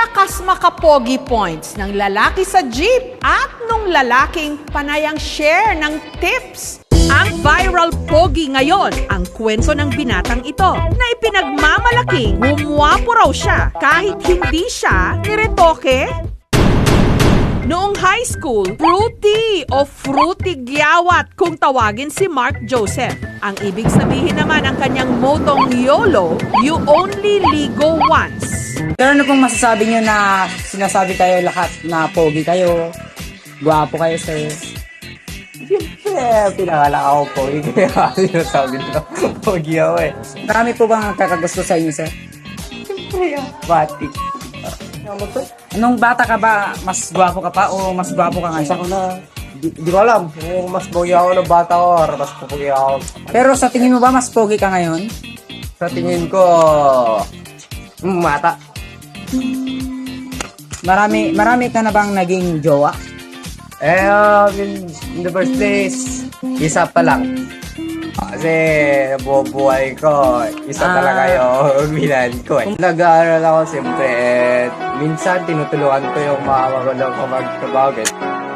malakas makapogi points ng lalaki sa jeep at nung lalaking panayang share ng tips. Ang viral pogi ngayon, ang kwento ng binatang ito na ipinagmamalaking gumwapo raw siya kahit hindi siya niretoke. Noong high school, fruity o fruity gyawat kung tawagin si Mark Joseph. Ang ibig sabihin naman ng kanyang motong YOLO, you only ligo once. Pero ano pong masasabi nyo na sinasabi kayo lahat na pogi kayo, gwapo kayo, sir? Siyempre, pinangalak ako pogi. Kaya sinasabi nila, pogi ako eh. Marami po bang kakagusto sa inyo, sir? Siyempre, batik. Nung bata ka ba, mas gwapo ka pa o mas gwapo ka Isa ngayon? ko na, di ko alam kung mas pogi ako ng bata ko or mas pogi ako. Pero sa tingin mo ba mas pogi ka ngayon? Sa tingin ko, mata. Marami ka na bang naging jowa? In the first place, isa pa lang. Kasi nabubuhay ko, isa talaga yung bilan ko eh. Nag-aaral ako siyempre, minsan tinutulungan ko yung mga magulang ko magtrabaho.